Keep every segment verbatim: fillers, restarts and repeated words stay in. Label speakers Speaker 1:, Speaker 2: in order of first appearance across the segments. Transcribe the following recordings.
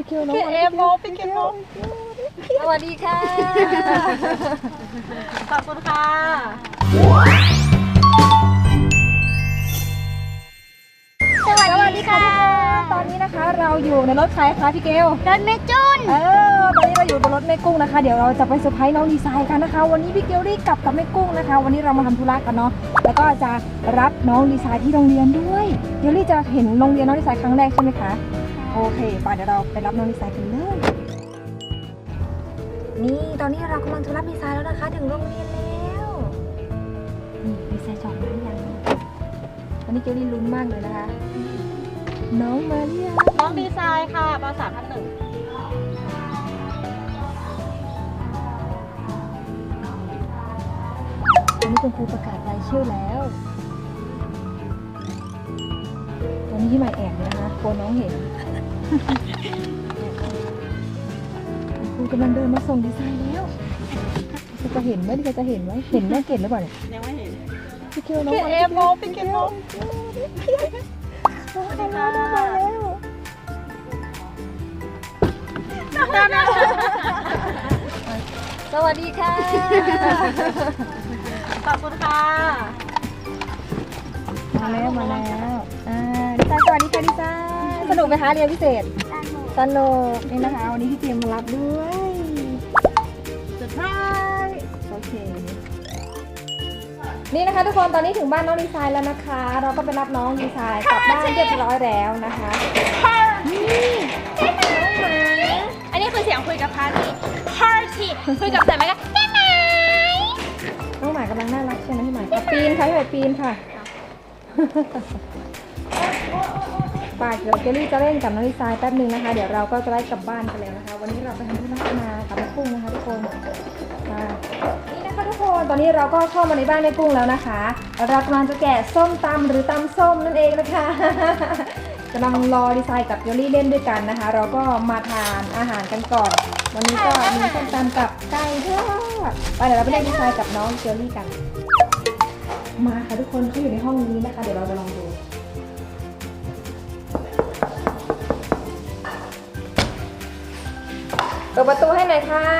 Speaker 1: พี่เกียวน้อง
Speaker 2: พี่เอโมพี่เกียว
Speaker 1: สวัสดีค่ะ
Speaker 2: ขอบคุณค่ะ
Speaker 1: สวัสดีค่ะตอนนี้นะคะเราอยู่ในรถใครคะพี่เกล
Speaker 3: รถแม่จุน
Speaker 1: เออตอนนี้เราอยู่บนรถแม่กุ้งนะคะเดี๋ยวเราจะไปเซอร์ไพรส์น้องดีไซน์กันนะคะวันนี้พี่เกลได้กลับกับแม่กุ้งนะคะวันนี้เรามาทำธุระกันเนาะแล้วก็จะรับน้องดีไซน์ที่โรงเรียนด้วยเดี๋ยวลี่จะเห็นโรงเรียนน้องดีไซน์ครั้งแรกใช่ไหมคะโอเคไปเดี๋ยวเราไปรับน้องดีไซน์กันเลยนี่ตอนนี้เรากำลังจะรับดีไซน์แล้วนะคะถึงโรงเรียนแล้วนี่ดีไซน์จองมาหรือยังตอนนี้เกลลี่ลุ้นมากเลยนะคะน้องมาเรียง
Speaker 2: น้องดีไซน์ค่ะปสามพันหนึ่ง
Speaker 1: วันนี้คุณครูประกาศรายชื่อแล้ววันนี้ที่มาแอบเลยนะคะกลัวน้องเห็นครูกำลังเดินมาส่งดีไซน์แล้วจะเห็นไหมดิจะเห็นไหมเห็นแม่เกดหรือเปล่าเนี่ย
Speaker 2: ยังไม่เห็น
Speaker 1: พี่เกียวน้อง
Speaker 2: พี่เอโมพี่เกียว
Speaker 1: สวัสดีค่ะมาแล้วสวัสดีค่ะ
Speaker 2: ขอบคุณค่ะ
Speaker 1: มาแล้วมาแล้วอ่าดีไซน์สวัสดีค่ะดีไซน์สนุกไหมคะเรียนพิเศษสนุกนี่นะคะวันนี้พี่เตรียมมารับด้วยเซอร์ไพรส์โอเคนี่นะคะทุกคนตอนนี้ถึงบ้านน้องดีไซน์แล้วนะคะเราก็ไปรับน้องดีไซน์กลับบ้านเรียบร้อยแล้วนะคะนี่น้องหมา
Speaker 3: อันนี้คือเสียงคุยกับพาร์ตี้พาร์ตี้คุยกับแต่ไม่ก็ได้ไหม
Speaker 1: น้องหมากำลังน่ารักใช่ไหมพี่หมายอ่ะปีนค่ะพี่หมายปีนค่ะป่าเดี๋ยวเจลลี่จะเล่นกับน้องดีไซน์แป๊บนึงนะคะเดี๋ยวเราก็จะได้กลับบ้านกันแล้วนะคะวันนี้เราไปทำธุระมากับแม่กุ้งนะคะทุกคนนี่นะคะทุกคนตอนนี้เราก็เข้ามาในบ้านแม่กุ้งแล้วนะคะเรากำลังจะแกะส้มตำหรือตำส้มนั่นเองนะคะกำลังรอดีไซน์กับเจลลี่เล่นด้วยกันนะคะเราก็มาทานอาหารกันก่อนวันนี้ก็มีส้มตำกับไก่ทอดไปเดี๋ยวเราไปเล่นดีไซน์กับน้องเจลลี่กันมาค่ะทุกคนเขาอยู่ในห้องนี้นะคะเดี๋ยวเราจะลองดูเปิดประตูให้หน่อยค่ะ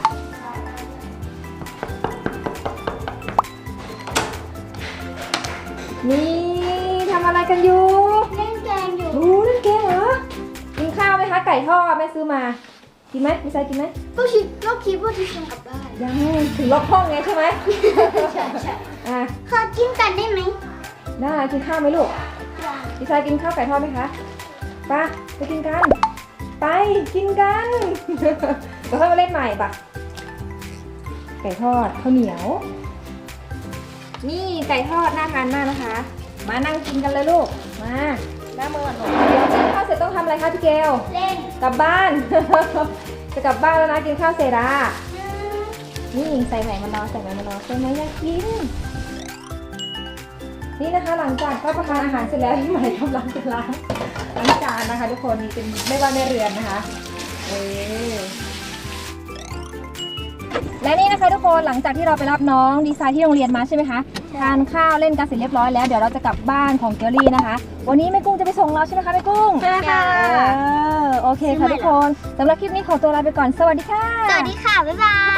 Speaker 1: นี่ทำอะไรกันอยู่
Speaker 3: เล่นเกมอยู่
Speaker 1: รู้เล่นเกมเหรอกินข้าวไหมคะไก่ทอดแม่ซื้อมากินไหมไม่ใช่กินไหม
Speaker 3: ก็คิดก็คิดว่าจะกินกลับบ้าน
Speaker 1: ยังถึงล็อกห้องไงใช่ไหม
Speaker 3: ใช่ใช่
Speaker 1: อ่ะ
Speaker 3: ขอกินกันได้ไหม
Speaker 1: ได้กินข้าวไหมลูกดีไซน์กินข้าวไก่ทอดไหมคะไปไปกินกันไปกินกันเดี๋ยวค่อยมาเล่นใหม่ปะไก่ทอดข้าวเหนียวนี่ไก่ทอดน่าทานมากนะคะมานั่งกินกันเลยลูกมาหน้ามือหนูเดี๋ยวกินข้าวเสร็จต้องทำอะไรคะพี่เกล
Speaker 3: เล่น
Speaker 1: กลับบ้าน จะกลับบ้านแล้วนะกินข้าวเสร็จอ่ะนี่ใส่ไหมมารอใส่ไหมมารอใส่ไหมอยากกินนี่นะคะหลังจากรับประทานอาหารเสร็จแล้วพี่ใหม่กำลังจะล้างล้างจานนะคะทุกคนนี่เป็นไม่ว่าไม่เรือนนะคะเออและนี่นะคะทุกคนหลังจากที่เราไปรับน้องดีไซน์ที่โรงเรียนมาใช่ไหมคะทานข้าวเล่นกันเสร็จเรียบร้อยแล้วเดี๋ยวเราจะกลับบ้านของเกลลี่นะคะวันนี้แม่กุ้งจะไปส่งเราใช่ไหมคะแม่กุ้ง
Speaker 2: ใช่ค่ะ
Speaker 1: เออโอเคค่ะทุกคนสำหรับคลิปนี้ขอตัวลาไปก่อนสวัสดีค่ะ
Speaker 3: สวัสดีค่ะบ๊ายบาย